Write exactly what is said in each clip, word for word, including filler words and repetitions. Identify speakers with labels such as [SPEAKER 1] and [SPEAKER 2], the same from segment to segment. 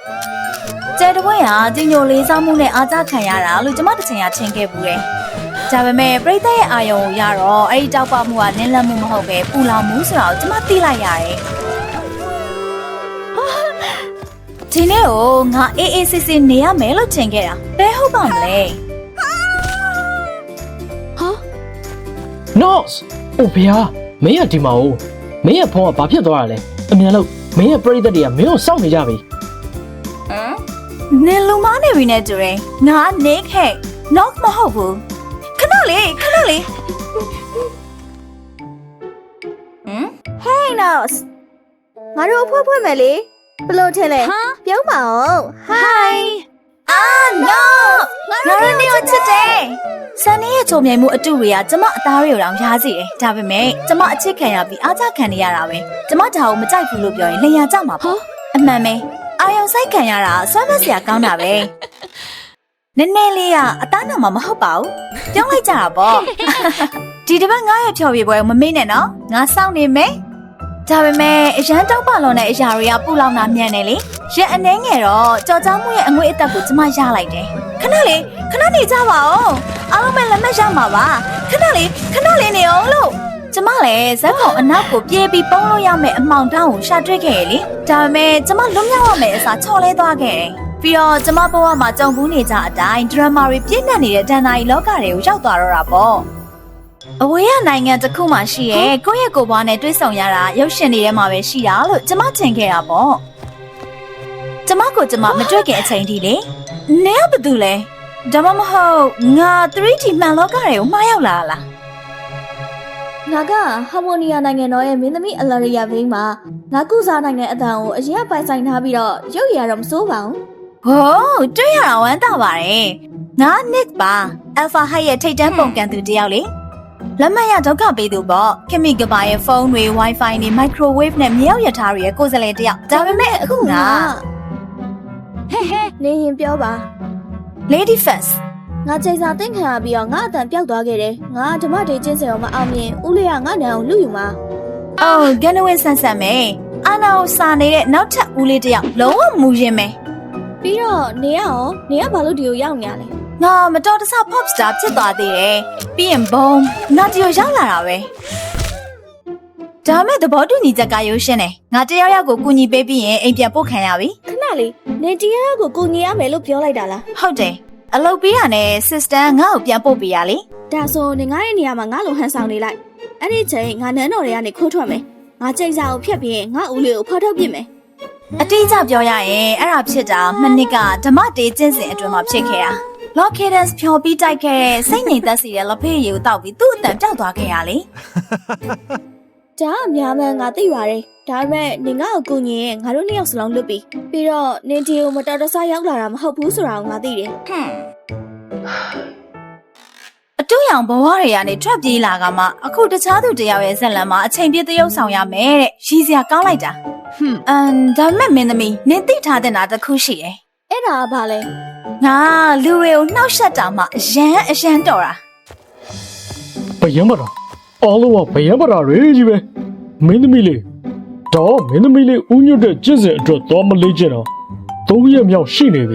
[SPEAKER 1] ကျဲတပွဲဟာကြီးညိုလေးစားမှုနဲ့အားကြခံရတာလို့ကျမတစ်ချိန်ကထင်ခဲ့ဘူးတယ်ဒါပေမဲ့ပြိတ္တရဲ့အာယုံကိုရတော့အဲ့ဒီတောက်ပမှုကနင်းလက်မှုမဟုတ်ပဲပူလောင်မှုဆိုတာကိုကျမသိလိုက်ရတယ်ဒီနေ့ကိုငါအေးအေးဆေးဆေးနေရမယ်လို့ထင်ခဲ့တာဘယ်ဟုတ်ပါမလဲ
[SPEAKER 2] ဟာ Nose အိုဖေဟာမင်းကဒီမှာဦးမင်းရဲ့ဖုန်းကဘာဖြစ်သွားတာလဲအမြန်လို့မင်းရဲ့ပရိသတ်တွေကမင်းကိုစောင့်နေကြပြီ
[SPEAKER 1] ဟမ်နင်လူမနေပြီနဲ့တူတယ်ငါနေခဲ့ knock မဟုတ်ဘူးခဏလေးခဏလေးဟမ်
[SPEAKER 3] Hey Nose ငါတို့အဖွဲဖွဲမယ်လေဘယ်လိုထင်လဲပြောင်းပါအောင်
[SPEAKER 1] Hi Ah no ငါတို့နေချစ်တယ်ဆန်နီရဲ့ချုံမြိုင်မှုအတူတွေကကျမအသားတွေကိုတောင်ရားစီတယ်ဒါပေမဲ့ကျမအချစ်ခံရပြီးအားကြခံနေရတာပဲကျမဒါကိုမကြိုက်ဘူးလို့ပြောရင်လျှာကြမှာပေါ့အမှန်ပဲအာယုံဆိုင်ခံရတာဆွမ်းမစရာကောင်းတာပဲနည်းနည်းလေးကအသားနာမှာမဟုတ်ပါဘူးပြောင်းလိုက်ကြတာပေါ့ဒီတစ်ပတ်ငါရဲ့ဖြော်ပြပွဲကိုမမေ့နဲ့နော်ငါစောင့်နေမယ်ဒါပေမဲ့အရန်တောက်ပါလုံးတဲ့အရာတွေကပူလောင်တာမြန်နေလေရက်အနှဲငယ်တော့ကြော်ကြားမှုရဲ့အငွေ့အသက်ကိုကျမရလိုက်တယ်ခဏလေးခဏနေကြပါဦးအားလုံးပဲလက်မှတ်ရမှာပါခဏလေးခဏလေးနေအောင်လို့ကျမလည်းဇက်ကောင်အနောက်ကိုပြေးပြီးပုံးလို့ရမယ့်အမောင်တောင်းကိုရှာတွေ့ခဲ့ရလေဒါပေမဲ့ကျမလွတ်မြောက်ရမယ့်အစားချော်လဲသွားခဲ့တယ်ပြီးတော့ကျမဘဝမှာကြုံဘူးနေကြအတိုင်းဒရမာတွေပြည့်နှက်နေတဲ့ဒဏ္ဍာရီလောကတွေကိုရောက်သွားတော့တာပေါ့အဝေးရနိုင်ငံတစ်ခုမှရှိရဲကိုယ့်ရဲ့ကိုယ်ပွားနဲ့တွဲဆောင်ရတာရုပ်ရှင်တွေထဲမှာပဲရှိတာလို့ကျမထင်ခဲ့တာပေါ့ကျမကိုကျမမတွေ့ခင်အချိန်ထိလေနင်ကဘာတူလဲဒါမှမဟုတ်ငါ three D မှန်လောကတွေကိုမှားရောက်လာလား
[SPEAKER 3] ငါကဟာမိုနီယာနိုင်ငံတော်ရဲ့မင်းသမီးအလာရီယာဘိန်းမှာငါကုစားနိုင်ငံအတန်ကိုအရင်ပိုင်ဆိုင်ထားပြီးတော့ရုပ်ရည်ရတော့မစိုးပါဘူး
[SPEAKER 1] ဟိုးတွေ့ရတာဝမ်းသာပါတယ်ငါ Nick ပါ Alpha High ရဲ့ထိတ်တန်းပုံကန်သူတယောက်လေလက်မှတ်ရဒုက္ခပေးသူပေါ့ခင်မီကပါရဲ့ဖုန်းတွေ Wi-Fi တွေ Microwave နဲ့မြေရောက်ရထားတွေရဲ့ကိုယ်စားလှယ်တယောက်ဒါပေမဲ့အခုငါ
[SPEAKER 3] ဟဲဟဲနေရင်ပြောပါ
[SPEAKER 1] Lady First
[SPEAKER 3] ငါချိန်စာသိမ်းခံရပြီးတော့ငါအတန်ပျောက်သွားခဲ့တယ်ငါဓမ္မတေကျင်းစင်အောင်မအောင်မြင်ဦးလေးကငါနံအောင်လူယူမှာ
[SPEAKER 1] အော်ဂန်နဝင်းဆန်ဆန်ပဲအာနာကိုစာနေတဲ့နောက်ထပ်ဦးလေးတယောက်လုံးဝမူရင်ပဲ
[SPEAKER 3] ပြီးတော့နေရအောင်နေရဘာလို့ဒီကိုရောက်နေရလဲ
[SPEAKER 1] ငါမတော်တဆ pop star ဖြစ်သွားသေးတယ်ပြီးရင်ဘုံငါဒီကိုရောက်လာတာပဲဒါမဲ့သဘောတူညီချက်ကရုပ်ရှင်တယ်ငါတယောက်ယောက်ကိုကူညီပေးပြီးရင်အိမ်ပြန်ပို့ခံရပြီ
[SPEAKER 3] ခဏလေးနေတယောက်ယောက်ကိုကူညီရမယ်လို့ပြောလိုက်တာလား
[SPEAKER 1] ဟုတ်တယ်အလုပ်ပေးရနဲ့ sister ငါ့ကိုပြန်ပို့ပေးရလေ
[SPEAKER 3] ဒါဆိုနေငါရဲ့နေရာမှာငါ့လိုဟန်ဆောင်နေလိုက်အဲ့ဒီချိန်ငါနန်းတော်တွေကနေခိုးထွက်မယ်ငါချိန်စာကိုဖျက်ပြီးရင်ငါဦးလေးကိုဖော်ထုတ်ပြစ်မယ်
[SPEAKER 1] အတိအကျပြောရရင်အဲ့ဒါဖြစ်တာမနစ်ကဓမ္မတေးကျင့်စဉ်အတွင်းမှာဖြစ်ခဲ့တာLock Cadence ဖြော်ပြီးတိုက်ခဲ့တဲ့စိတ်ငြိမ်သက်စီတဲ့လက်ဖေးရည်ကိုတောက်ပြီးသူ့အတန်ပြောက်သွားခဲ့ရလေ
[SPEAKER 3] ဒါအများမှန်ငါသိပါတယ်ဒါပေမဲ့နေငါ့ကိုကူညီရင်ငါတို့နှစ်ယောက်စလုံးလွတ်ပြီးပြီးတော့နင်တီကိုမတော်တဆရောက်လာတာမဟုတ်ဘူးဆိုတာကိုငါသိတယ်
[SPEAKER 1] ဟွန်းအတူရောင်ဘဝတွေကနေထွက်ပြေးလာကမှအခုတခြားသူတယောက်ရဲ့ဇက်လန်မှာအချိန်ပြည့်သရုပ်ဆောင်ရမယ်တဲ့ရည်စရာကောင်းလိုက်တာဟွန်းအမ်ဒါမဲ့မင်းသမီးနင်သိထားတဲ့နာတစ်ခုရှိတယ်
[SPEAKER 3] အဲ့ဒါကဘာလဲ
[SPEAKER 1] ငါလူတွေကိုနှောက်ယှက်တာမှအရန်အရန်တော်တာ
[SPEAKER 2] ဘယံမတာအားလုံးကဘယံမတာတွေကြီးပဲမင်းသမီးလေးတော့မင်းသမီးလေးဦးညွတ်တဲ့ကျင့်စဉ်အတွက်တော့မလေးကျင်တော့သုံးရက်မြောက်ရှိနေပြီ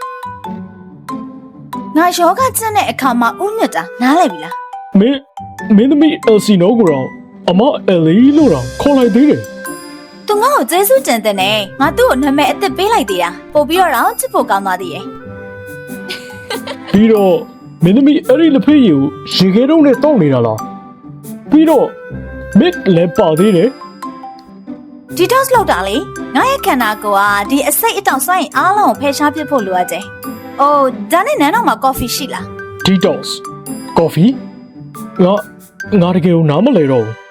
[SPEAKER 1] ငါယောဂကျင့်တဲ့အခါမှာဦးညွတ်တာနားလည်ပြီလား
[SPEAKER 2] မင်းမင်းသမီးအယ်စီနိုကိုတော့အမအယ်လီလို့တော့ခေါ်လိုက်သေးတယ်
[SPEAKER 1] သူငါ့ကိုကျေးဇူးတင်တဲ့နဲ့ငါသူ့ကိုနာမည်အသစ်ပေးလိုက်သေးတာပို့ပြီးတော့ချစ်ဖို့ကောင်းသွားသေးရဲ့
[SPEAKER 2] ပြီးတော့မင်းသမီးအဲ့ဒီလက်ဖေးရည်ကိုရေခဲတုံးနဲ့တောက်နေတာလားပြီးတော့မစ်လည်းပါသေးတယ်
[SPEAKER 1] detox လောက်တာလေငါရဲ့ခန္ဓာကိုယ်ကဒီအစိတ်အတောင်စွမ်းရင်အားလုံးကိုဖယ်ရှားပစ်ဖို့လိုအပ်တယ်။အိုးဒါနဲ့နန်းတော်မှာ coffee ရှိလား
[SPEAKER 2] detox coffee ငါငါတကယ်ကိုနားမလဲတော့ဘူး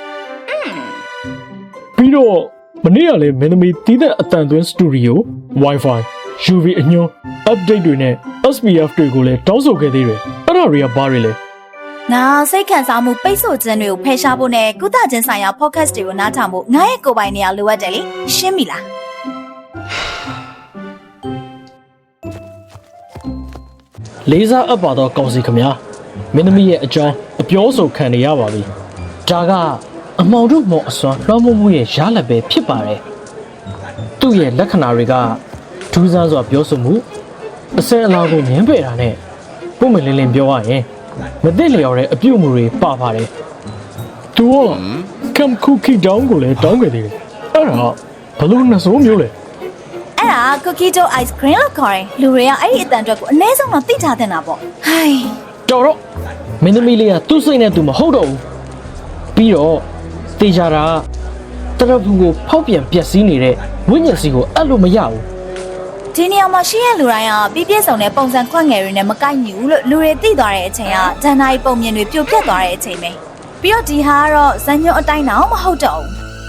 [SPEAKER 2] ပြီးတော့မနေ့ကလည်းမင်းသမီးတီးတဲ့အတန်သွင်းစတူဒီယို Wi-Fiယူဗီ အညွှန်း update တွေနဲ့ เอส พี เอฟ တွေကိုလည်းတောင်းဆိုခဲ့သေးတယ်အဲ့ဒါတွေကဘာတွေလဲ
[SPEAKER 1] ငါစိတ်ခံစားမှုပိတ်ဆို့ခြင်းတွေကိုဖယ်ရှားဖို့နဲ့ကုသခြင်းဆိုင်ရာ podcast တွေကိုနားထောင်ဖို့ငါရဲ့ကိုယ်ပိုင်နေရာလိုအပ်တယ်လေရှင်းပြီလား
[SPEAKER 2] လေးစားအပ်ပါတော့ကောင်းစီခမညာမင်းသမီးရဲ့အကြောင်းအပြောဆိုခံနေရပါပြီဒါကအမောင်တို့မော်အစွမ်းလွှမ်းမိုးမှုရဲ့ရလဒ်ပဲဖြစ်ပါတယ်သူ့ရဲ့လက္ခဏာတွေကထူးဆန်းစွာပြောဆိုမှုအစင်အလာကိုငင်းပယ်တာနဲ့ပုံမလင်းလင်းပြောရရင်မသိလျော်တဲ့အပြုတ်မှုတွေပါပါတယ်သူကကမ်ကူကီဒေါင်းကိုလည်းတောင်းခဲ့သေးတယ်အဲ့ဒါဘလို့နှစိုးမျိုးလဲ
[SPEAKER 1] အဲ့ဒါ cookie dough ice cream လို့ခေါ်တယ်လူတွေကအဲ့ဒီအတန်အတွက်ကိုအနည်းဆုံးတော့သိထားတဲ့နာပေါ့ဟိုင်း
[SPEAKER 2] တော်တော့မင်းသမီးလေးကသူ့စိတ်နဲ့သူမဟုတ်တော့ဘူးပြီးတော့တေချာတာတရဖူကိုဖောက်ပြန်ပျက်စီးနေတဲ့ဝိညာဉ်စီကိုအဲ့လိုမရဘူး
[SPEAKER 1] ဒီနေရာမှာရှိရလူတိုင်းကပြည့်ပြည့်စုံတဲ့ပုံစံခွက်ငယ်တွေနဲ့မကိုက်ညီဘူးလို့လူတွေသိသွားတဲ့အချိန်ကဒဏ္ဍာရီပုံမြင်တွေပြိုပြက်သွားတဲ့အချိန်ပဲပြီးတော့ဒီဟာကတော့ဇန်ညွန့်အတိုင်းတော့မဟုတ်တော့ဘူး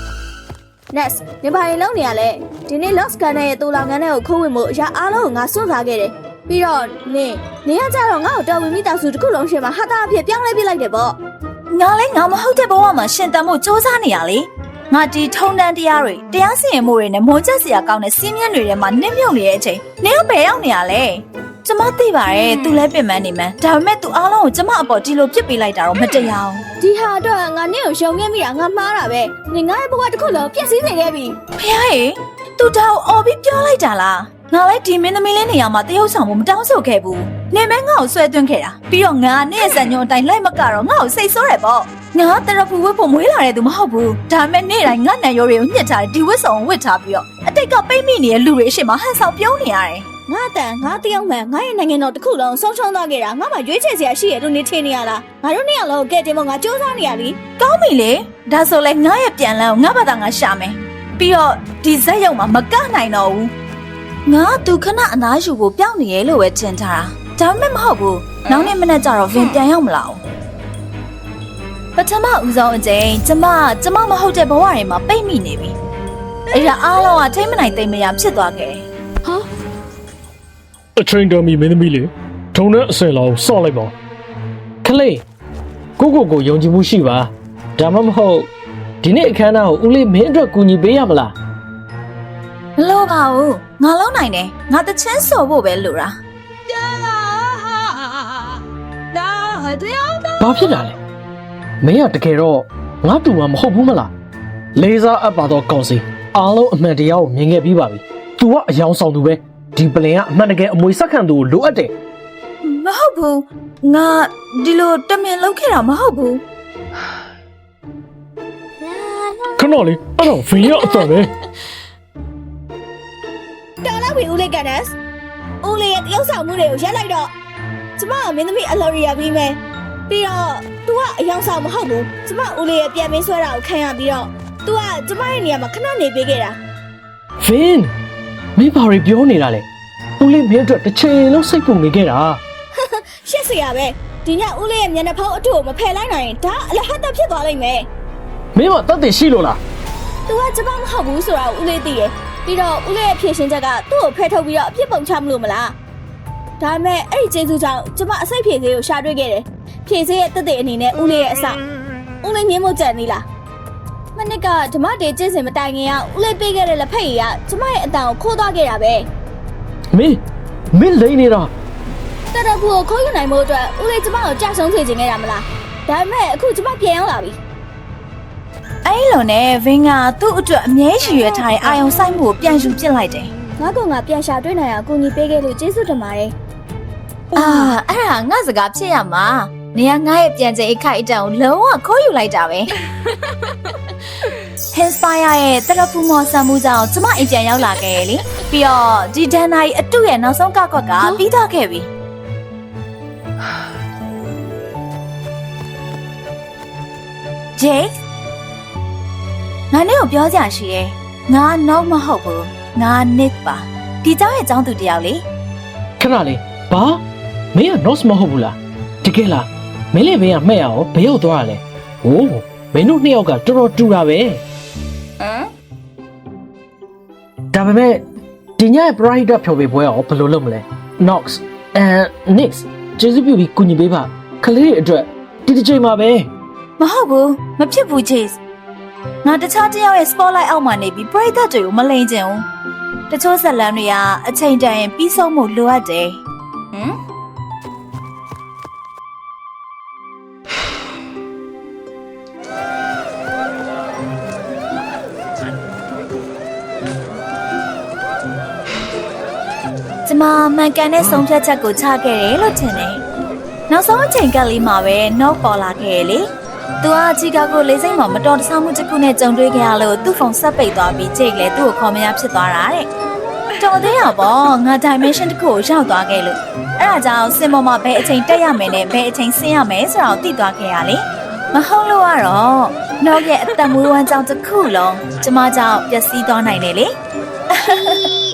[SPEAKER 3] Next နေပါရင်လုံးနေရလဲဒီနေ့ Lost Gun ရဲ့တူလောင်ငန်းတွေကိုခိုးဝင်မှုအရာအားလုံးကိုငါစွန့်စားခဲ့တယ်ပြီးတော့နင်နေရကြတော့ငါ့ကိုတော်ဝင်မိသားစုတစ်ခုလုံးရှင်မှာဟာတာအဖြစ်ပြောင်းလဲပြလိုက်တယ်ပေါ့
[SPEAKER 1] ငါလည်းငါမဟုတ်တဲ့ဘဝမှာရှင်တန်မှုစ조사နေရလေငါဒီထုံတန်းတရားတွေတရားစီရင်မှုတွေနဲ့မွန်ချက်စရာကောင်းတဲ့စီးမြန်းတွေထဲမှာနစ်မြုပ်နေတဲ့အချိန်နင်ကဘယ်ရောက်နေရလဲကျမသိပါတယ်သူလည်းပြင်ပန်းနေမှန်းဒါပေမဲ့သူအားလုံးကိုကျမအပေါ်ဒီလိုပြစ်ပေးလိုက်တာတော့မတရားဘူး
[SPEAKER 3] ဒီဟာတော့ငါနင့်ကိုရှုံခဲ့မိတာငါမှားတာပဲနင်ငါ့ရဲ့ဘဝတစ်ခုလုံးပြည့်စည်စေခဲ့ပြီ
[SPEAKER 1] ဖះရေသူတောင်အော်ပြီးပြောလိုက်တာလားငါလည်းဒီမင်းသမီးလေးနေရာမှာတရုပ်ဆောင်မှုမတောင်းဆိုခဲ့ဘူးနေမဲငါ့ကိုဆွဲသွင်းခဲ့တာပြီးတော့ငါနဲ့ဇန်ညွန်အတိုင်းလိုက်မကတော့ငါ့ကိုစိတ်ဆိုးတယ်ပေါ့ငါတရဖူဝတ်ဖို့မွေးလာတဲ့သူမဟုတ်ဘူးဒါပေမဲ့နေ့တိုင်းငါနံရိုးတွေကိုညှစ်ထားတယ်ဒီဝတ်ဆောင်ဝတ်ထားပြီးတော့အတိတ်ကပိတ်မိနေတဲ့လူတွေအရှိမဟန်ဆောင်ပြုံးနေရတယ်
[SPEAKER 3] ငါတန်ငါတယောက်မှန်ငါရဲ့နိုင်ငံတော်တစ်ခုလုံးဆုံးရှုံးသွားခဲ့တာငါမှရွေးချယ်စရာရှိရလို့နေထင်နေရလားငါတို့နှစ်ယောက်လုံးကဲတင်မငါစူးစမ်းနေရလी
[SPEAKER 1] ကောင်းပြီလေဒါဆိုလဲငါရဲ့ပြန်လန်းကိုငါဘာသာငါရှာမယ်ပြီးတော့ဒီဇက်ရုံမှာမကနိုင်တော့ဘူးငါသူခဏအနားယူဖို့ပြောင်းနေရဲလို့ပဲထင်ထားတာဒါပေမဲ့မဟုတ်ဘူးနောက်နေ့မနေ့ကျတော့ဗင်ပြန်ရောက်မလာဘူးပထမဦးဆုံးအချိန်ကျမကျမမဟုတ်တဲ့ဘဝတွေမှာပိတ်မိနေပြီအဲ့ဒါအားလုံးကထိမ့်မနိုင်သိမ့်မရဖြစ်သွားခဲ့တယ်ဟာ
[SPEAKER 2] အချိန်တော်မီမင်းသမီးလေးထုံတဲ့အစင်လောက်စော့လိုက်ပါခလေးကိုကိုကိုယုံကြည်မှုရှိပါဒါမှမဟုတ်ဒီနေ့အခမ်းအနားကိုဦးလေးမင်းအတွက်ကူညီပေးရမလား
[SPEAKER 1] မလို့ပါဘူးငါလုံးနိုင်တယ်ငါတချင်းဆိုဖို့ပဲလိုတာ
[SPEAKER 2] ဘာဖြစ်တာလဲမင်းကတကယ်တော့ငါတူမှာမဟုတ်ဘူးမလားလေးစားအပ်ပါတော့ကောင်းစီအားလုံးအမှန်တရားကိုမြင်ခဲ့ပြီးပါပြီ तू ကအယောင်ဆောင်သူပဲဒီပလင်ကအမှန်တကယ်အမွေဆက်ခံသူကိုလိုအပ်တယ်
[SPEAKER 1] မဟုတ်ဘူးငါဒီလိုတမင်လုပ်ခဲ့တာမဟုတ်ဘူး
[SPEAKER 2] ခဏလေးအဲ့တော့ဗင်ရအတန်ပဲ
[SPEAKER 3] တော်လာပြီဦးလေးကန်နက်စ်ဦးလေးရဲ့တယောက်ဆောင်မှုတွေကိုရက်လိုက်တော့ကျမကမင်းသမီးအလော်ရီယာပြီးမယ်ပြီးတော့ तू ကအယောင်ဆောင်မဟုတ်ဘူးကျမဦးလေးရဲ့ပြန်မင်းဆွဲတာကိုခံရပြီးတော့ तू ကကျမရဲ့နေရာမှာခဏနေပေးခဲ့တာ
[SPEAKER 2] ဗင်မင်းဘာတွေပြောနေတာလဲဦးလေးမင်းအတွက်တစ်ချိန်လုံးစိတ်ပူနေခဲ့တာ
[SPEAKER 3] ရှက်စရာပဲဒီညဦးလေးရဲ့မျက်နှာဖောင်းအထုကိုမဖယ်လိုက်နိုင်ရင်ဒါအလဟတ်တဖြစ်သွားလိမ့်မယ်
[SPEAKER 2] မင်းမတတ်သိရှိလို့လား
[SPEAKER 3] तू ကကျမမဟုတ်ဘူးဆိုတာဦးလေးသိတယ်ပြီးတော့ဦးလေးရဲ့ဖြည့်ရှင်ချက်ကသူ့ကိုဖယ်ထုတ်ပြီးတော့အပြစ်ပုံချမလို့မလားဒါပေမဲ့အဲ့ဒီကျေးဇူးကြောင့်ကျမအစိတ်ဖြည့်စေးကိုရှာတွေ့ခဲ့တယ်ဖြည့်စေးရဲ့တက်တဲ့အနေနဲ့ဦးလေးရဲ့အစဦးလေးမြင်မို့ကြံနေလားမနစ်ကဓမ္မတေကျင့်စဉ်မတိုင်ခင်ကဦးလေးပေးခဲ့တဲ့လက်ဖက်ရည်ကကျမရဲ့အတန်ကိုခိုးသွားခဲ့တာပဲ
[SPEAKER 2] မင်းမင်းလိမ့်နေတာ
[SPEAKER 3] တရဖူကိုခိုးယူနိုင်မှုအတွက်ဦးလေးကျမကိုကြာဆုံးစေခြင်းခဲ့တာမလားဒါပေမဲ့အခုကျမပြန်ရောက်လာပြီ
[SPEAKER 1] အဲ့လိုနဲ့ဗင်ကသူ့အတွက်အမြဲရှိရထားတဲ့အာယုံဆိုင်မှုကိုပြန်ယူပစ်လိုက်တယ်
[SPEAKER 3] ငါကငါပြန်ရှာတွေ့နိုင်အောင်ကိုကြီးပေးခဲ့လို့ကျေးဇူးတင်ပါတယ်
[SPEAKER 1] အာအဲ့ဒါငါစကားဖြစ်ရမှာနေရာငါရဲ့ပြန်ချိန်အခိုက်အတန့်ကိုလုံးဝခိုးယူလိုက်တာပဲ Inspire ရဲ့တရဖူမော်ဆမ်မှုကြောင့်ကျမအိမ်ပြန်ရောက်လာခဲ့ရလေပြီးတော့ဒီဒန်နိုင်အတုရဲ့နောက်ဆုံးကောက်ကွက်ကပြီးသွားခဲ့ပြီဂျေးငါနဲ့ကိုပြောကြရှိရဲငါနောက်မဟုတ်ဘူးငါနစ်ပါဒီเจ้าရဲ့เจ้าသူတယောက်လေ
[SPEAKER 2] ခဏလေးဘာမင်းက notes မဟုတ်ဘူးလားတကယ်လားမင်းလည်းဘင်းကမှဲ့ရအောင်ဘယ်ရောက်သွားရလဲဟိုးမင်းတို့နှစ်ယောက်ကတော်တော်တူတာပဲဟမ်ဒါပေမဲ့ဒီညရဲ့ pride ဖြော်ပေးပွဲရောဘယ်လိုလုပ်မလဲ Nox and Nix ကျေးဇူးပြုပြီးကူညီပေးပါခလေးတွေအတွက်ဒီတစ်ချိန်မှာပဲ
[SPEAKER 1] မဟုတ်ဘူးမဖြစ်ဘူး Chase ငါတခြားတစ်ယောက်ရဲ့ spotlight အောက်မှာနေပြီးပရိသတ်တွေကိုမလိမ်ချင်ဘူးတချို့ဇလန်တွေကအချိန်တန်ရင်ပြီးဆုံးမှုလိုအပ်တယ်ဟမ်ကျမမှန်ကန်တဲ့ဆုံးဖြတ်ချက်ကိုချခဲ့တယ်လို့ထင်တယ်နောက်ဆုံးအချိန်ကလေးမှာပဲနောက်ပေါ်လာခဲ့လေသူကချီကာကိုလေးစိတ်မှာမတော်တဆမှုတစ်ခုနဲ့ကြုံတွေ့ခဲ့ရလို့သူ့ဖုန်းဆက်ပိတ်သွားပြီးကြိတ်လေသူ့ကိုခေါ်မရဖြစ်သွားတာတဲ့တော်သေးရပေါ့ငါ dimension တစ်ခုကိုရောက်သွားခဲ့လို့အဲ့ဒါကြောင့်စင်ပေါ်မှာဘယ်အချိန်တက်ရမယ်နဲ့ဘယ်အချိန်ဆင်းရမယ်ဆိုတာကိုသိသွားခဲ့ရလေမဟုတ်လို့ကတော့နောက်ရဲ့အသက်မွေးဝမ်းကြောင်းတစ်ခုလုံးကျမကြောင့်ပျက်စီးသွားနိုင်တယ်လေ